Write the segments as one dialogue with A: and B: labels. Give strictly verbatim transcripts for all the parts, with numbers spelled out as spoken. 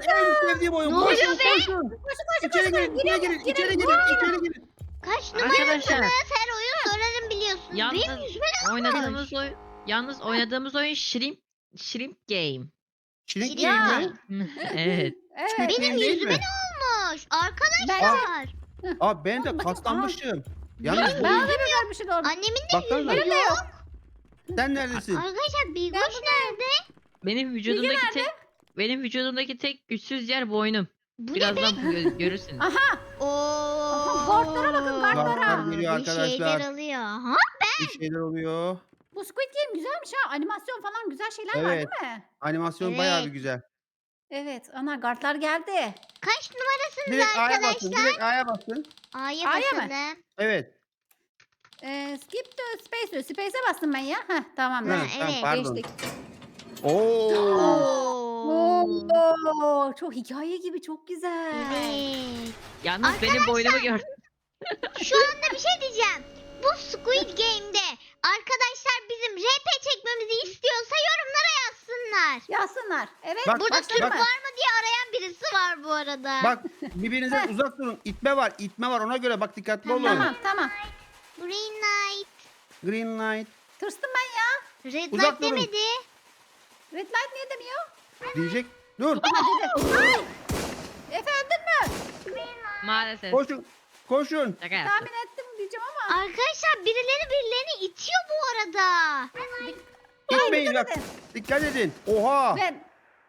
A: en sevdiğim oyun.
B: Ne oluyor
A: Koşun,
B: be?
A: koşun.
C: Koşun koşun
A: İçeri
C: koşun.
A: girin, içeri girin, içeri girin, içeri girin.
B: Kaç
D: Arkadaşlar.
B: numarasınız? Her oyun sorarım biliyorsunuz. Benim
D: Yalnız
B: yüzüme ne
D: oynadığımız oyun yalnız oynadığımız oyun Shrimp Shrimp Game.
A: Şirin
C: Ya.
A: game mi?
D: Evet.
C: Evet.
A: Squid
B: Benim
A: Game değil
B: yüzüme
A: mi?
B: ne olmuş? Arkadaşlar.
A: Aa ben de
C: Bakayım,
A: kaslanmışım. Yalnız bu
C: Ben de mi görmüşüm onu?
B: Annemin de
A: baksanıza.
B: yüzü yok.
A: Sen neredesin?
B: Arkadaşlar Bilgoş nerede?
D: Benim vücudumdaki tek benim vücudumdaki tek güçsüz yer boynum.
B: Bu ne be?
D: Birazdan gö- görürsünüz.
B: Oo.
C: Kartlara bakın, kartlara.
A: Kartlar geliyor
B: Bir
A: arkadaşlar.
B: şeyler alıyor. Ha?
A: Bir şeyler oluyor.
C: Bu Squid Game güzelmiş ha. Animasyon falan güzel şeyler var
A: Evet.
C: değil mi?
A: Animasyon
B: Evet.
A: bayağı bir güzel.
C: Evet. Ana kartlar geldi.
B: Kaç numarasınız
A: Direkt A'ya basın,
B: arkadaşlar?
A: direkt A'ya basın.
B: A'ya
C: A'ya mı?
B: basalım.
A: Evet.
C: Ee, skip to space diyor. Space'e bastım ben ya. Heh tamam.
A: Ha,
C: ben.
B: Ha,
A: tamam,
B: evet.
A: pardon.
C: Geçtik.
A: Oo.
B: Oo.
C: Oo, çok hikaye gibi çok güzel.
B: Evet.
D: Yalnız benim boynumu gör.
B: Şu anda bir şey diyeceğim. Bu Squid Game'de arkadaşlar bizim R P çekmemizi istiyorsa yorumlara yazsınlar.
C: Yazsınlar. Evet.
A: Bak,
B: Burada
A: bak,
B: Türk
A: bak.
B: var mı diye arayan birisi var bu arada.
A: Bak birbirinizden uzak durun. İtme var, itme var. Ona göre bak dikkatli olun.
C: Tamam tamam.
B: Green light.
A: Green light
C: Tırstım ben ya.
B: Red
A: Uzak
B: light
A: durun.
B: demedi.
C: Red light niye demiyor?
A: diyecek. Dur.
C: Ama dedi. Ay! Efe öldün mü?
D: Maalesef.
A: Koşun. Koşun.
D: Şaka yaptım.
C: Tahmin ettim diyeceğim ama.
B: Arkadaşlar birileri birilerini itiyor bu arada.
A: İtmeyin
C: dikkat
A: bak.
C: edin.
A: Dikkat edin. Oha.
C: Ben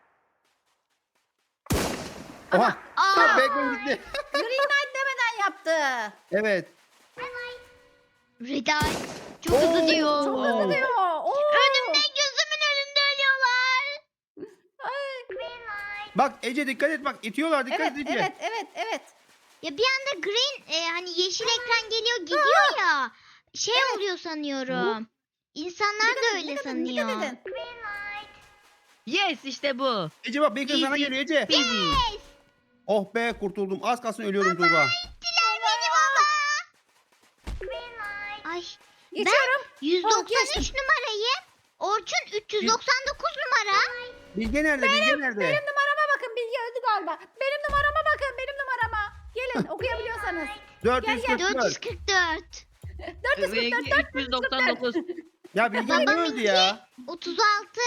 A: Oha.
B: Aa.
A: Bacon gitti.
C: Green light demeden yaptı.
A: Evet.
B: Red light. Çok hızlı
A: Oo,
B: diyor.
C: Çok hızlı diyor. Oo.
B: Önümde gözümün önünde ölüyorlar.
A: Bak Ece dikkat et bak. İtiyorlar dikkat
C: Evet
A: et Ece.
C: evet evet evet.
B: Ya bir anda green e, hani yeşil ekran geliyor gidiyor ya. Şey oluyor sanıyorum. İnsanlar
C: Dikkat
B: da
C: edin,
B: öyle
C: dikkat edin,
B: sanıyor.
C: dikkat edin.
D: Yes işte bu.
A: Ece bak Bacon sana
D: Easy.
A: geliyor Ece.
D: Easy.
A: Oh be kurtuldum. Az kalsın ölüyorum Tuğba.
B: Diler beni baba. Ay
C: Geçiyorum.
B: yüz
C: Oh,
B: doksan üç
C: geçtim.
B: numarayı. Orçun üç yüz doksan dokuz numara.
A: Bilge nerede? Bilge nerede?
C: Benim numarama bakın. Bilgi öldü galiba. Benim numarama bakın. Benim numarama. Gelin okuyabiliyorsanız.
A: dört yüz kırk
B: dört yüz
A: dört.
B: kırk dört.
C: dört yüz kırk dört,
D: üç yüz doksan dokuz.
A: Ya Bilge niye öldü ya?
B: otuz altı.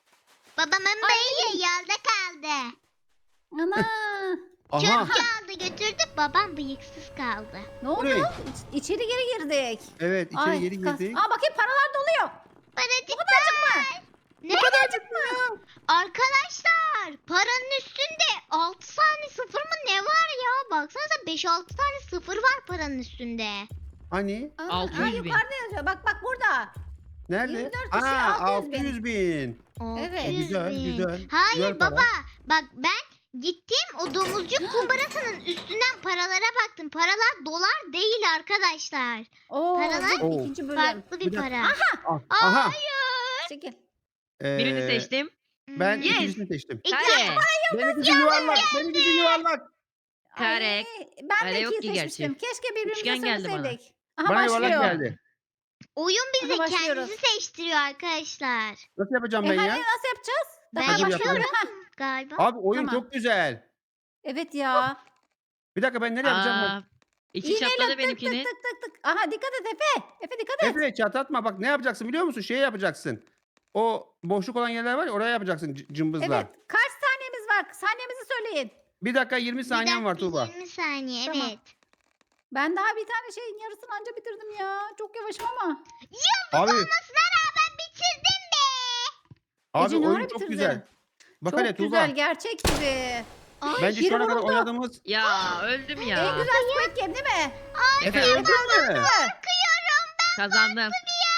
B: Babamın beyi yolda kaldı.
C: Ana.
A: Aha.
B: Çöp aldı götürdü. Babam bıyıksız kaldı.
C: Ne oldu?
A: Burayı.
C: İç- İçeri geri girdik.
A: Evet içeri
C: Ay,
A: geri
C: kas-
A: girdik.
C: Aa bakayım paralar doluyor.
B: Paratikler. Ne?
A: Kadarcık mı ya?
B: Arkadaşlar paranın üstünde altı tane sıfır mı ne var ya? Baksanıza beş altı tane sıfır var paranın üstünde.
A: Hani?
C: Aa,
D: altı yüz
C: aa,
D: bin.
C: yukarıda yazıyor. Bak bak burada.
A: Nerede?
C: yirmi dört kişi,
A: Aa
C: altı yüz bin.
A: altı yüz bin.
C: Evet.
B: altı yüz
A: Güzel,
B: bin.
A: güzel.
B: Hayır
A: Güzel para.
B: baba bak ben gittim o domuzcuk kumbarasının üstünden paralara baktım. Paralar dolar değil arkadaşlar.
C: Oo,
B: Paralar-
C: bu
A: Oo.
C: ikinci bölüm.
B: Farklı bir
A: Bir dakika.
B: para.
A: Ah, Aha.
C: Çekil.
A: Ee,
D: Birini seçtim.
A: Ben
B: Hmm.
D: Yes.
A: ikincisini seçtim.
D: Kare.
A: Benimkisi yuvarlak. Benimkisi yuvarlak.
D: Kare.
C: Ay, ben
D: Kare
C: de
D: yok
C: ikiyi
D: ki gerçi.
C: seçmiştim. Keşke birbirimize
D: Üçgen geldi bana.
C: söyleseydik. Aha
A: Bana yuvarlak
C: başlıyor.
A: geldi.
B: Oyun bize
C: Hadi başlıyoruz.
B: kendisi seçtiriyor arkadaşlar.
A: Nasıl yapacağım
C: E
A: ben
C: hani
A: ya?
C: nasıl yapacağız?
B: Ben
C: Daha
A: Hadi
C: başlıyorum.
A: yapalım.
C: Ha,
B: Galiba.
A: Abi oyun
C: Tamam.
A: çok güzel.
C: evet ya.
A: Bir dakika ben nereye yapacağım?
D: Aa, içi
C: İğneyle
D: çatladı
C: tık
D: benimkinin.
C: tık tık tık tık. Aha dikkat et Efe. Efe dikkat et.
A: Efe çatlatma bak ne yapacaksın biliyor musun? Şey yapacaksın. O boşluk olan yerler var ya oraya yapacaksın c- cımbızla.
C: Evet. Kaç saniyemiz var? Saniyemizi söyleyin.
A: Bir dakika yirmi
B: Bir
A: saniyen var
B: dakika,
A: Tuğba.
B: yirmi saniye
C: Tamam.
B: evet.
C: Ben daha bir tane şeyin yarısını anca bitirdim ya. Çok yavaşım ama.
A: Abi,
B: Olmasına rağmen bitirdim be.
A: abi
C: Ece ne
A: oyun
C: ara
A: çok
C: bitirdin?
A: güzel. Bak
C: Çok
A: hele Tuğba.
C: güzel. Gerçek gibi.
B: Ay,
A: Bence
C: biri
A: şu ana kadar
C: vuruldu.
A: oynadığımız...
D: Ya öldüm
C: En
D: ya.
C: güzel Squid Game değil mi?
A: Efe
D: Evet,
A: öldün mü?
D: kazandım.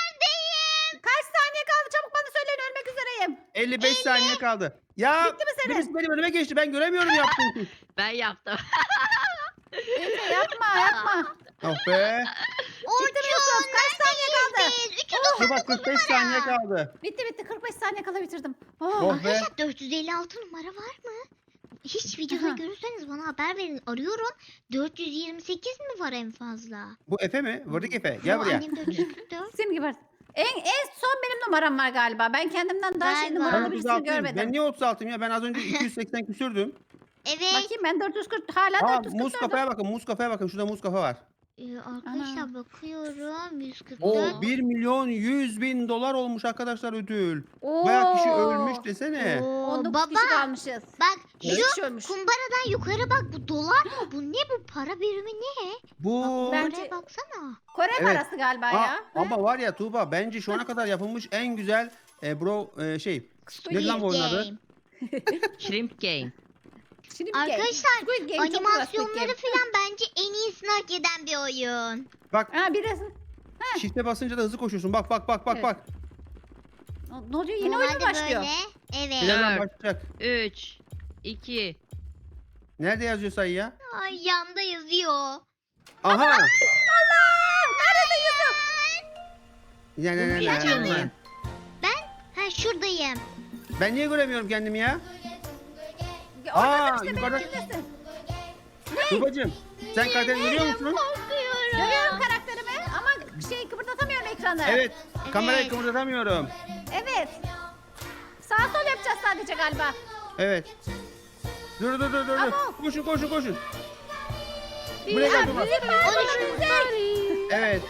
C: Kaç saniye kaldı? Çabuk bana söyleyin. Ölmek üzereyim.
A: elli beş saniye kaldı. Ya
C: Bitti mi senin?
A: birisi benim önüme geçti. Ben göremiyorum yaptığım şey.
D: Ben yaptım.
C: Efe yapma yapma.
A: Oh be.
B: Orçun
C: Kaç saniye kaldı?
B: neredeyiz? üç yüz
A: Dur bak kırk beş saniye kaldı.
C: Bitti bitti. kırk beş saniye kala bitirdim. Oh.
A: Oh be.
B: Arkadaşlar dört yüz elli altı numara var mı? Hiç videoda
C: Aha.
B: görürseniz bana haber verin. Arıyorum. dört yüz yirmi sekiz mi var en fazla?
A: Bu Efe mi? Vırdık Efe. Gel
B: Yo,
A: buraya.
B: Annem dört yüz kırk dört.
C: Senin gibi. En, en son benim numaram var galiba. Ben kendimden daha şey
B: Galiba.
A: Ben
C: numaralı
A: otuz
C: birisini
A: altıyım.
C: görmedim.
A: Ben niye otuz altıyım ya? Ben az önce iki yüz seksen küsürdüm.
B: Evet.
C: Bakayım ben dört yüz kırk hala
A: Aa
C: dört yüz
A: muz
C: kırk
A: kafaya bakın. Muz kafaya bakın. Şurada muz kafa var.
B: Ee, arkadaşlar
C: Ana.
B: bakıyorum. yüz kırk
A: O
B: dört.
A: bir milyon yüz bin dolar olmuş arkadaşlar ödül.
C: Oo.
A: Bayağı kişi ölmüş desene.
B: Oo,
C: on dokuz
B: baba
C: kişi kalmışız.
B: bak
C: beş
B: şu
C: kişi ölmüş.
B: kumbaradan yukarı bak, bu dolar mı? Bu ne, bu para birimi ne?
A: Bu
C: Ben-
B: Oraya baksana.
C: Kore
A: Evet.
C: parası galiba
A: Aa,
C: ya.
A: ama var ya Tuğba bence şu ana kadar yapılmış en güzel e, bro e, şey. Ne lan bu oyunun adı?
B: Game.
D: Shrimp Game.
C: Şimdi bir game.
B: Arkadaşlar
C: Squid Game, çok güzel Squid
B: animasyonları
C: Game.
B: falan bence en iyisini hak eden bir oyun.
A: Bak
C: Ha birisi.
A: shift'e basınca da hızlı koşuyorsun. Bak bak bak bak
C: Evet.
A: bak.
C: Ne oluyor? Yeni oyun mu
B: Normalde
C: başlıyor?
B: Böyle. Evet.
A: Birazdan
D: Evet.
A: başlayacak.
D: üç, iki.
A: Nerede yazıyor sayı ya?
B: Ay, yanda yazıyor.
A: Aha.
C: Allah! Nerede Yusuf?
A: Ne, ne, ne,
D: Bu
A: ne,
D: geçiyor
A: ne,
D: mu?
A: ne?
B: Ha, şuradayım.
A: Ben niye göremiyorum kendimi ya?
C: Orada
A: Aa,
C: işte
A: yukarıda-
C: benimkindesin.
A: Tuğbacığım sen karakteri görüyor musun?
B: Korkuyorum.
C: Görüyorum karakterimi ama şey kıpırdatamıyorum ekranı.
A: Evet. Kamerayı
B: Evet.
A: kıpırdatamıyorum.
C: Evet. Sağ sol yapacağız sadece galiba.
A: Evet. Dur dur dur dur. dur.
C: Ama-
A: Koşun koşun koşun.
C: Bir
A: Buraya gel
C: an
A: Tuğba.
C: müzik var, müzik.
A: Evet.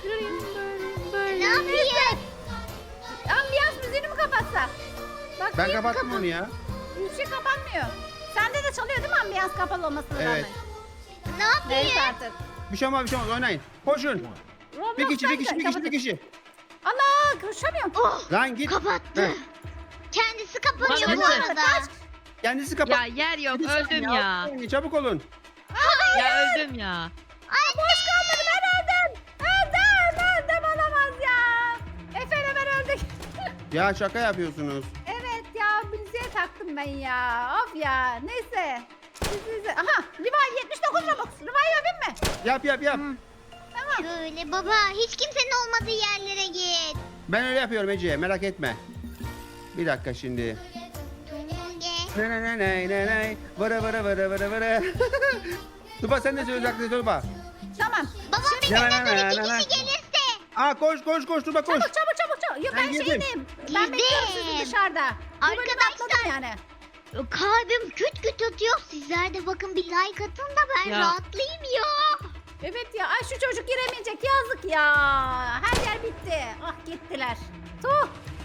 B: Ne yapayım?
C: Ambiyans müziğini mi kapatsak? Bak
A: Ben kapattım onu ya.
C: bir şey kapanmıyor. Sende de çalıyor değil mi ambiyans kapalı olmasına
A: Evet.
C: rağmen?
B: Ne yapayım?
C: Neyse artık.
A: Bir şey olmaz bir şey olmaz oynayın. Koşun. Bir kişi bir kişi bir kişi bir kişi.
C: Allah koşamıyorum.
B: Oh,
A: Lan git.
B: kapattı.
A: Heh.
B: Kendisi kapanıyor bu
D: Kapattı.
B: arada.
A: Kendisi kapat.
D: Ya yer yok
A: Hadi sen
D: öldüm ya.
A: Çabuk olun.
D: Ya öldüm ya.
C: Ay boş kalmadı ben öldüm. Öldüm öldüm olamaz ya. Efendim ben öldük.
A: Ya şaka yapıyorsunuz.
C: Evet ya müziğe taktım ben ya. Of ya neyse. Siz, siz, aha Levi yetmiş dokuz Robux. Levi yapayım mı?
A: Yap yap yap.
B: Şöyle baba, hiç kimsenin olmadığı yerlere git.
A: Ben öyle yapıyorum Ece merak etme. Bir dakika şimdi.
B: Tunge.
A: Ne ne ne ne ne ne. Vara vara vara vara vara. Tuba sen de söyle uzakta Tuba.
C: Tamam.
B: Baba
A: Ne,
B: bizimle
A: ne,
B: dur,
A: ne,
B: iki
A: ne, ne.
B: kişi gelirse.
A: Aa koş koş koş Tuba koş.
C: Çabuk çabuk çabuk çabuk. Yok
A: Ben
C: ben,
A: girdim.
C: şeydeyim. Ben
B: Girdim.
C: bekliyorum sizi dışarıda. Bu bölümü
B: Arkadaşlar.
C: atladım yani.
B: Kalbim küt küt atıyor. Sizler de bakın bir like atın da ben
D: Ya.
B: rahatlayayım ya.
C: Evet ya ay şu çocuk giremeyecek yazık ya. Her yer bitti. Ah gittiler. Tuh.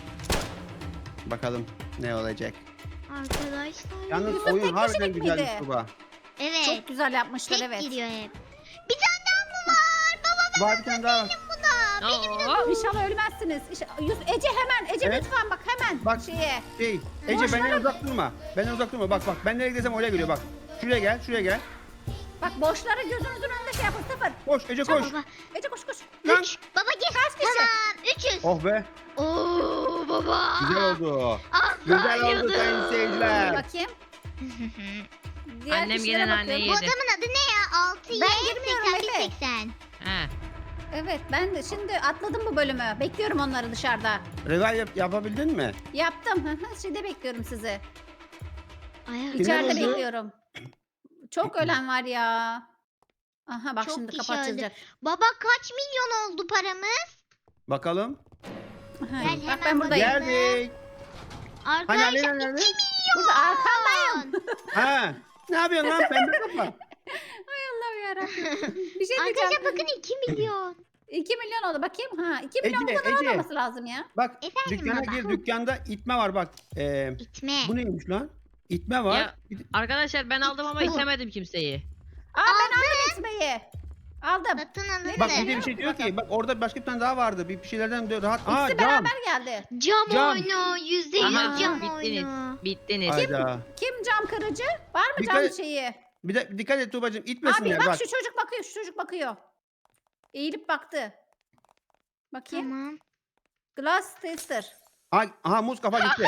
A: Bakalım ne olacak.
B: Arkadaşlar.
A: Yalnız
C: Yusuf
A: oyun
C: tek
A: harbiden
C: kişilik
A: güzelmiş
C: miydi?
A: Tuba.
B: Evet.
C: Çok güzel yapmışlar
B: Tek
C: evet.
B: gidiyor hep. Bir tane daha mı var? Baba
A: Var bir tane daha var.
B: buna.
D: Oo.
C: İnşallah ölmezsiniz. İnşallah- Yus- Ece hemen Ece
A: Evet.
C: lütfen bak hemen
A: Bak.
C: şeye.
A: Şey, Ece
C: Boş
A: benden
C: ver.
A: uzak durma. Benden uzak durma. Bak bak ben nereye gidersem oraya geliyor bak. Şuraya gel, şuraya gel.
C: Bak boşlara gözünüzün önünde şey yapın sıfır.
A: Koş Ece koş.
B: Baba.
C: Ece koş koş.
A: Lan.
B: Üç. Baba gir.
C: Kaç kişi?
B: Tamam. Üçüz.
A: Oh be.
B: Oo baba.
A: Güzel oldu.
B: Allah
A: Güzel oldu
B: yıldız.
A: sayın
C: Dur
A: seyirciler.
C: bakayım. Diğer
D: Annem
C: kişilere
D: gelen
C: bakıyorum.
D: anneyi
B: Bu
D: yedi.
B: adamın adı ne ya? altı Y
C: Ben girmiyorum
B: seksen bir
C: Efe.
B: seksen.
D: He.
C: Evet ben de şimdi atladım bu bölümü. Bekliyorum onları dışarıda.
A: Regal yap, yapabildin mi?
C: Yaptım. Hı hı, Şimdi bekliyorum sizi.
B: Ay,
A: Kimler
C: İçeride
A: öldü?
C: bekliyorum. Çok ölen var ya. Aha bak
B: Çok
C: şimdi
B: kişi
C: kapı
B: öldü.
C: açılacak.
B: Baba kaç milyon oldu paramız?
A: Bakalım.
C: Aha,
B: Gel,
C: bak
B: hemen
C: ben buradayım.
B: bakayım.
A: Geldik. Hani
B: Arkadaşlar
A: Alena nerede?
B: iki milyon.
C: Burada arkandayım.
A: Ha. Ne yapıyorsun lan pembe kafa?
C: Ay Allah'ım yarabbim. Bir şey
B: Arkadaşlar
C: diyeceğim.
B: bakın iki milyon.
C: iki milyon oldu bakayım. Ha iki milyon
A: Ece,
C: bu kadar
A: Ece.
C: olmaması lazım ya.
A: Bak
B: Efendim
A: dükkana
B: baba?
A: gir dükkanda itme var bak. Ee,
B: İtme.
A: bu neymiş lan? İtme var.
D: Ya.
A: Bir-
D: Arkadaşlar ben aldım ama itemedim kimseyi.
C: Aa ben aldım itmeyi. Aldım.
B: Satın alındı.
A: Bak bir de bir şey diyor ki bak orada başka bir tane daha vardı. Bir, bir şeylerden diyor rahat. Aa
C: İkisi
A: cam.
C: beraber geldi.
B: Cam,
A: Cam.
B: oyunu. Yüzde yüz
D: Aha,
B: cam
D: bittiniz.
B: oyunu.
D: Bittiniz.
A: Hayda.
C: Kim cam kırıcı? Var mı
A: Dikkat
C: cam
A: et-
C: şeyi?
A: Bir de dikkat et Tuğbacığım
C: Abi
A: itmesinler
C: bak,
A: bak.
C: şu çocuk bakıyor, şu çocuk bakıyor. Eğilip baktı. Bakayım.
B: Tamam.
C: Glass tester.
A: Aha, aha muz kafa gitti.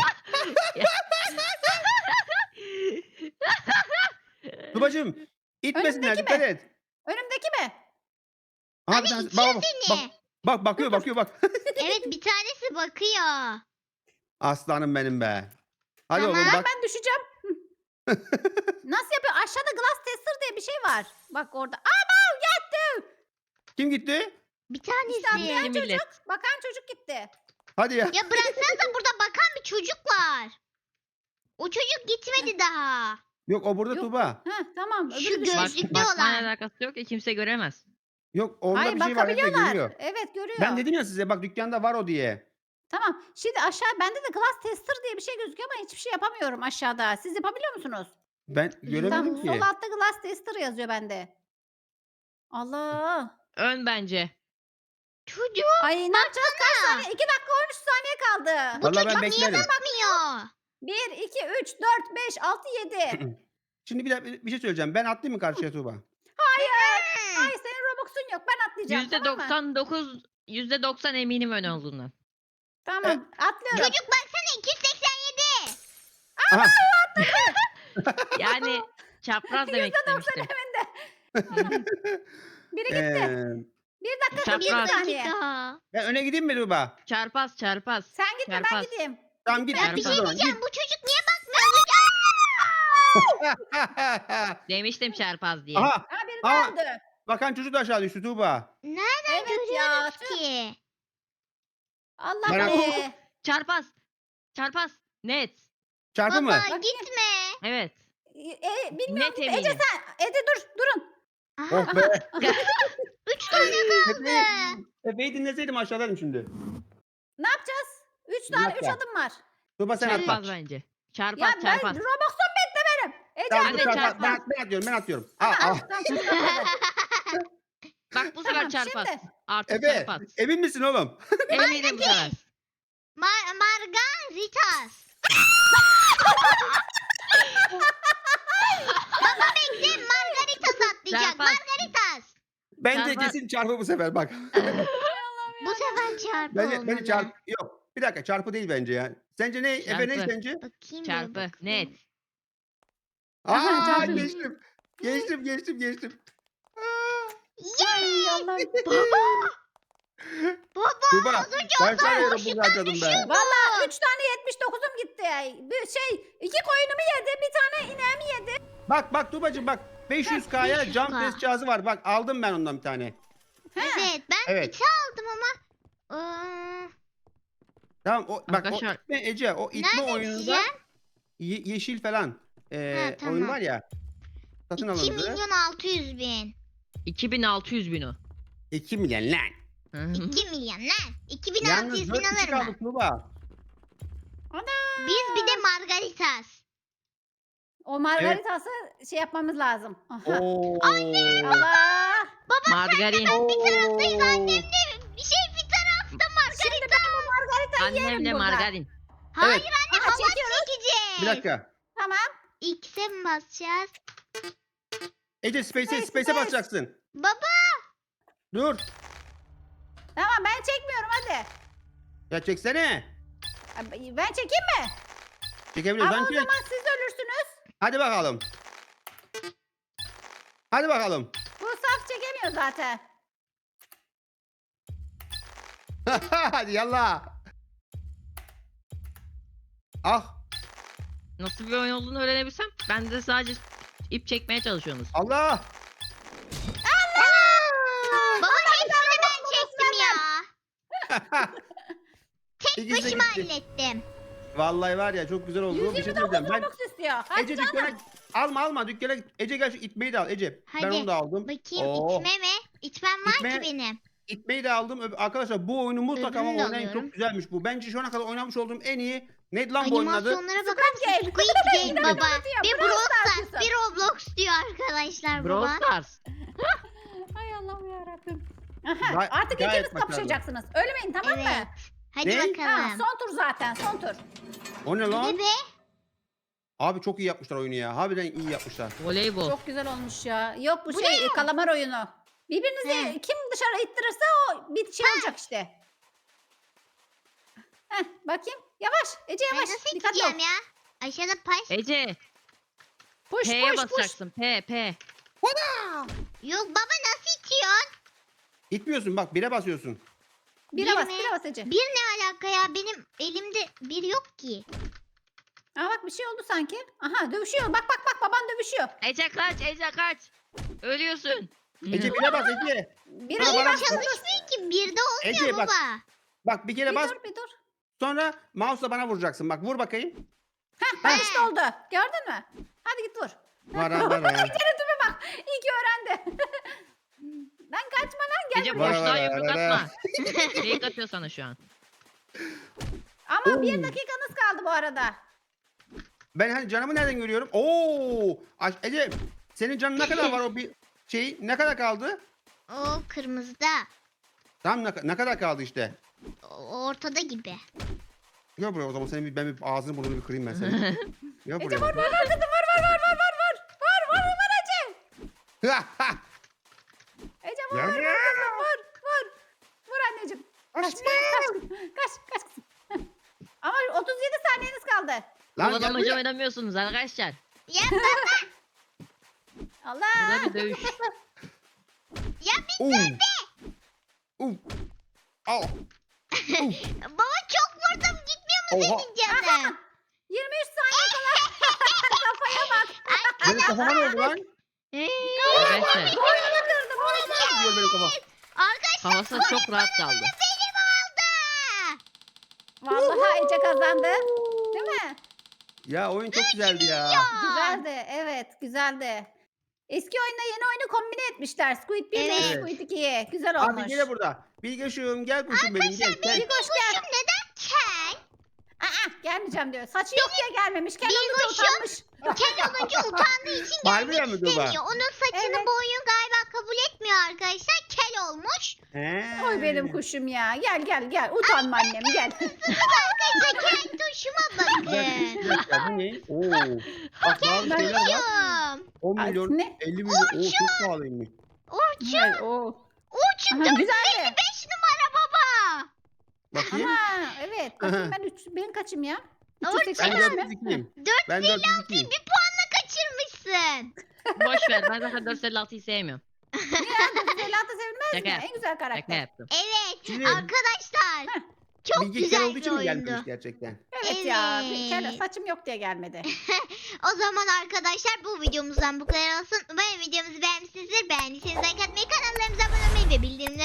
A: Tuğbacığım itmesinler
C: Önündeki
A: dikkat
C: mi?
A: et.
C: Önümdeki mi?
A: Aha,
B: Abi
A: bir tanesi-
B: itiyor
A: bak, bak, bak,
B: seni.
A: bak bakıyor bakıyor bak.
B: Evet bir tanesi bakıyor.
A: Aslanım benim be. Hadi
B: Tamam.
A: oğlum
C: Bak
A: bak.
C: ben düşeceğim. Nasıl yapıyor? Aşağıda glass tester diye bir şey var. Bak orada. Ama gitti.
A: Kim gitti?
B: Bir
C: İşte
B: tanesi.
C: atlayan
D: Millet.
C: çocuk. Bakan çocuk gitti.
A: Hadi ya.
B: Ya bıraksanıza burada bakan bir çocuk var. O çocuk gitmedi daha.
A: Yok o burada
C: Yok.
A: Tuğba.
C: Heh, tamam.
B: Şu
C: Öbürü düşmüş.
B: göz-
D: Bak,
B: Gözlüklü
D: bakmayla
B: olan.
D: alakası yok ki kimse göremez.
A: Yok onda
C: Hayır
A: bir şey var. Efe
C: bakabiliyorlar.
A: görüyor.
C: Evet görüyor.
A: Ben dedim ya size bak dükkanda var o diye.
C: Tamam. Şimdi aşağı bende de glass tester diye bir şey gözüküyor ama hiçbir şey yapamıyorum aşağıda. Siz yapabiliyor musunuz?
A: Ben göremedim
C: Tamam,
A: ki.
C: sol altta glass tester yazıyor bende. Allah.
D: Ön bence.
B: Çocuk
C: Ay ne yapacağız? Kaç saniye? iki dakika on üç saniye kaldı.
B: bu
A: Vallahi ben
B: çocuk niye
A: beklerim.
B: bakmıyor?
C: bir, iki, üç, dört, beş, altı, yedi.
A: Şimdi bir, dakika, bir şey söyleyeceğim. Ben atlayayım mı karşıya Tuğba?
C: Hayır.
B: Hı.
C: Hayır senin Robux'un yok. Ben atlayacağım.
D: Yüzde
C: tamam mı?
D: doksan dokuz, yüzde doksan eminim ön olduğundan.
C: Tamam. Atlıyorum.
B: Çocuk baksana iki yüz seksen yedi.
A: Aha.
D: Yani çapraz demek istemiştim.
C: Biri gitti.
A: Ee,
C: Bir dakika
B: Bir
C: bir
D: Çapraz.
C: saniye.
B: dakika.
A: ben öne gideyim mi Tuğba?
D: Çarpaz çarpaz.
C: Sen gitme ben
D: Çarpaz.
C: gideyim.
A: Tamam git.
B: Ya bir
A: git o
B: şey
A: zaman,
B: diyeceğim.
A: git.
B: Bu çocuk niye bakmıyor?
D: Demiştim çarpaz diye.
A: Aha.
C: Ha biri
A: Aa.
C: döndü.
A: Bakan çocuk da aşağı düştü Tuğba.
B: Nereden
C: Evet ya.
B: görüyoruz ki?
C: Allah
A: Bana-
C: be.
D: Çarpaz. Çarpaz. Net.
A: Çarpı mı?
B: Baba
C: Bakayım.
B: gitme.
D: Evet.
C: E, bilmiyorum.
D: Net
C: Ece
D: eminim.
C: sen. Ece dur. Durun.
B: Aha,
A: Oh be.
B: üç tane kaldı.
A: Efe'yi, Efe'yi dinleseydim aşağıdaydım şimdi.
C: Ne yapacağız? Üç
A: Bir
C: tane, üç
A: dakika.
C: adım var.
A: Tuğba sen atla.
D: Çarpaz bence. Çarpaz
C: Ya ben
D: çarpaz.
C: Robux'um bitti benim. Ece
A: Tamam,
D: Ben
A: dur,
D: de
A: çarpı-
D: çarpmaz.
A: ben, ben atıyorum ben atıyorum. Aa,
C: Tamam,
A: aa.
C: tamam, şimdi atladı.
D: Bak bu sefer
C: Tamam,
D: çarpaz.
C: şimdi.
D: Artık
A: Efe
D: çarpaz.
A: emin misin oğlum?
D: Eminim bu sefer.
B: Mar Margaritas. Baba bekle Margaritas atlayacak.
D: Çarpaz.
B: Margaritas.
A: Bence
D: Çarpı-
A: kesin çarpı bu sefer bak.
B: Bu sefer çarpı
A: bence,
B: olmalı.
A: bence çarpı yok. Bir dakika çarpı değil bence ya. Sence ne? Efe ne
D: Çarpı.
A: sence?
B: Bakayım
D: Çarpı.
B: bir
D: Net.
C: Aha,
A: Aa
C: çarpı.
A: geçtim. Geçtim geçtim geçtim. Aa,
C: Ay Allah.
B: Baba. Baba
A: Tuğba
B: az önce
A: ben
B: o
A: sana
B: kadar
A: yarım
B: boşluktan
A: bunu harcadım be.
B: düşüyordum.
C: Valla üç tane yetmiş dokuzum gitti. Bir şey iki koyunumu yedi, bir tane ineğimi yedi.
A: Bak bak Tuğbacığım bak. beş yüz K'ya
B: beş yüz
A: jump
B: K.
A: test cihazı var. Bak aldım ben ondan bir tane.
B: Evet ben
A: Evet.
B: iki aldım ama. Iıı,
A: Tamam o bak
D: Arkadaşlar-
A: o itme Ece o itme
B: Nerede
A: oyununda
B: diyeceğim?
A: ye- yeşil falan ee,
B: Ha, tamam.
A: oyun var ya. Satın
B: iki
A: alındı.
B: milyon altı yüz bin.
D: iki bin altı yüz bin o.
A: iki milyon lan.
D: Hı.
B: iki milyon lan. iki bin altı
A: Yalnız
B: yüz
A: dört
B: bin
A: kişi
B: alırım ben.
A: kaldık Tuğba.
B: Biz bir de Margaritas.
C: O margaritası şey yapmamız lazım. Aha.
A: Oo.
C: Allah.
D: Margarin.
B: Taraftayız annem de bir şey bir tarafta Margarita.
C: Şimdi ben bu margaritayı yerim
D: Annemle
C: burada.
D: margarin.
B: Hayır
A: Evet.
B: anne
C: Aha,
B: hava
C: çekiyoruz.
B: çekeceğiz.
A: Bir dakika.
C: Tamam.
B: X'e mi basacağız?
A: Ece space'e
C: Space,
A: space'e
C: space.
B: Baba.
A: basacaksın. Dur.
C: Tamam ben çekmiyorum hadi.
A: Ya çeksene.
C: Ben çekeyim mi? Ama
A: Çekebiliyorsan
C: o
A: çek.
C: zaman siz ölürsünüz.
A: Hadi bakalım. Hadi bakalım.
C: Bu saf çekemiyor zaten.
A: Hadi yallah. Ah
D: Nasıl bir oyun olduğunu öğrenebilsem ben de sadece ip çekmeye çalışıyorsunuz.
A: Allah.
B: Baba hepsini ben çektim ya. Tek
A: İkisi de
B: başıma
A: gitti.
B: hallettim.
A: Vallahi var ya çok güzel oldu. Bir şey
C: yüz yirmi
A: söyleyeceğim.
C: dokuz
A: Ben
C: Robux istiyor. Hadi
A: Ece
C: canım.
A: dükkana alma alma dükkana git. Ece gel şu itmeyi de al Ece. Ben
B: Hadi,
A: onu da aldım.
B: Bakayım
A: Oo.
B: itme mi? İtmem var
A: İtme-
B: ki benim.
A: İtmeyi de aldım. Öb- Arkadaşlar bu oyunu mutlaka ama
B: Öbürünü de
A: oynayın.
B: alıyorum.
A: Çok güzelmiş bu. Bence şu ana kadar oynamış olduğum en iyi. Neydi lan bu oyunun adı?
B: Animasyonlara bakar
C: Squid
B: mısın?
C: Game.
B: Squid Game baba.
C: diyor,
B: Bir
C: Brawl
B: Brawl
C: Stars
B: Stars,
C: diyorsun.
B: bir Roblox diyor arkadaşlar
D: Brawl
B: baba.
D: Stars.
C: Ay Allah'ım yarabbim. Aha,
A: Gay-
C: artık
A: gayet
C: ikiniz
A: başarılı.
C: kapışacaksınız. Ölmeyin tamam
B: Evet.
C: mı?
B: Hadi
A: Ne?
C: Ha,
B: bakalım.
C: son tur zaten son tur.
A: O ne
B: Hadi
A: lan?
B: be.
A: Abi çok iyi yapmışlar oyunu ya. Harbiden iyi yapmışlar.
D: Voleybol.
C: Çok güzel olmuş ya. Yok bu,
B: Bu
C: şey
B: ne?
C: kalamar oyunu. Birbirinizi
B: He.
C: kim dışarı ittirirse o bir şey olacak işte. Heh, bakayım. Yavaş. Ece
B: Ben
C: yavaş.
B: nasıl
C: Dikkatli
B: iteceğim
C: ol.
B: ya? Aşağıda paş.
D: Ece.
C: Push
D: P'ye
C: push push.
D: basacaksın. P P.
B: Yok baba nasıl itiyorsun?
A: İtmiyorsun bak bire basıyorsun.
C: Bire
B: Bir
C: bas,
B: mi?
C: bire bas Ece.
B: Bir ne alaka ya? Benim elimde bir yok ki.
C: Aa bak bir şey oldu sanki. Aha dövüşüyor. Bak bak bak baban dövüşüyor.
D: Ece kaç Ece kaç. Ölüyorsun.
A: Ece bire bas Ece.
C: Bir
A: Bana
C: bir
A: bana-
C: bak.
B: Çalışmıyor ki. Bir de olmuyor
A: Ece, bak.
B: baba.
A: Bak bir kere
C: Bir
A: bas.
C: dur bir dur.
A: Sonra mouse'la bana vuracaksın. Bak vur bakayım.
C: Heh, bak işte oldu. Gördün mü? Hadi git vur.
A: Vara vara.
C: Görüntüme bak. İyi ki öğrendi. Lan kaçma lan gel.
D: Ece
A: Vara
D: boşluğa
A: vara
D: yumruk
A: vara.
D: atma. Fake atıyor sana şu an.
C: Ama
A: Oo.
C: bir dakikanız kaldı bu arada.
A: Ben hani canımı nereden görüyorum? Oo! Aş- Ece senin canın ne kadar var o bir şey? Ne kadar kaldı?
B: O kırmızıda.
A: Tam ne, ne kadar kaldı işte?
B: O ortada gibi.
A: Gel buraya o zaman senin bir, ben bir ağzını burnunu bir kırayım ben senin. Gel
C: Ece
A: buraya.
C: vur vur vur kızım vur vur vur vur vur vur. Vur vur vur Ece. Ece vur
A: Gel
C: vur
A: buraya.
C: vur kızım vur vur. Vur anneciğim. Kaç kaç kaç kaç kızım. Ama otuz yedi saniyeniz kaldı.
A: Lan gel
D: Kovalamaca
A: buraya.
D: oynamıyorsunuz arkadaşlar.
B: Ya baba.
C: Allah.
D: Burada bir dövüş.
B: Ya bir
A: Oo. Oo. Au.
B: baba çok vurdum. Gitmiyor mu
A: Oha.
B: senin canın?
C: yirmi üç saniye kala. Kafaya bak.
A: Benim kafama ne oldu lan?
D: Arkadaşlar
C: Boynunu kırdım. Boynunu.
A: Diyor benim kafam.
B: Arkadaşlar
D: havası çok rahat kaldı.
B: benim oldu.
C: Vallahi Ece kazandı. Değil mi?
A: Ya oyun çok güzeldi ya.
C: Güzeldi. Evet güzeldi. Eski oyunla yeni oyunu kombine etmişler. Squid bir ile
B: Evet.
C: Squid ikiyi. Güzel olmuş.
A: Abi gel burada. Bilgeşim gel kuşum benim gel. gel.
C: Bir koş gel.
B: Kuşum neden kel?
C: Aa, gelmeyeceğim diyor. Saçı yok diye gelmemiş. Kel olunca
B: Bilgoş'um.
C: utanmış.
B: Kel olunca utandığı için
A: Harbiden
B: gelmek
A: mi Tuğba?
B: istemiyor. Onun saçını
C: Evet.
B: boyun galiba kabul etmiyor arkadaşlar. Kel olmuş.
A: He.
C: Oy benim kuşum ya. Gel gel gel. Utanma annem gel.
B: Arkadaşlar kel tuşuma
A: Bir dakika,
B: bakın.
A: bir dakika, bu ne? Oo. Bak bazı şeyler var.
B: Kuşum.
A: on
C: Ay,
A: milyon,
C: ne?
A: elli milyon. Oo çok pahalıymış.
B: Orçun.
C: Hayır, o.
B: Orçun
C: Aha, güzeldi.
B: beş numara baba.
A: Bakayım.
C: Ama evet. Bakayım ben üç, ben kaçım ya? üç yüz
B: Orçun.
C: seksen
A: Ben
C: beş mi?
A: dört yüz ikiyim.
B: dört
A: Ben dört yüz ikiyim.
B: bir puanla kaçırmışsın.
D: Boş ver ben zaten dört yüz elli altıyı sevmiyorum.
C: Niye? dokuz yüz elli altı sevilmez
D: Şaka
C: mi?
D: yap-
C: En güzel
D: Şaka
C: karakter.
D: yaptım.
B: Evet
A: Şimdi-
B: arkadaşlar. Çok
A: Bilge kel
B: güzel
A: olduğu
B: bir
A: için mi
B: oyundu.
A: gelmiş gerçekten?
C: Evet, ya.
B: Evet.
C: Kel, saçım yok diye gelmedi.
B: O zaman arkadaşlar bu videomuzdan bu kadar olsun. Umarım videomuzu beğenmişsinizdir. Beğendiyseniz like atmayı, kanallarımıza abone olmayı ve bildirimleri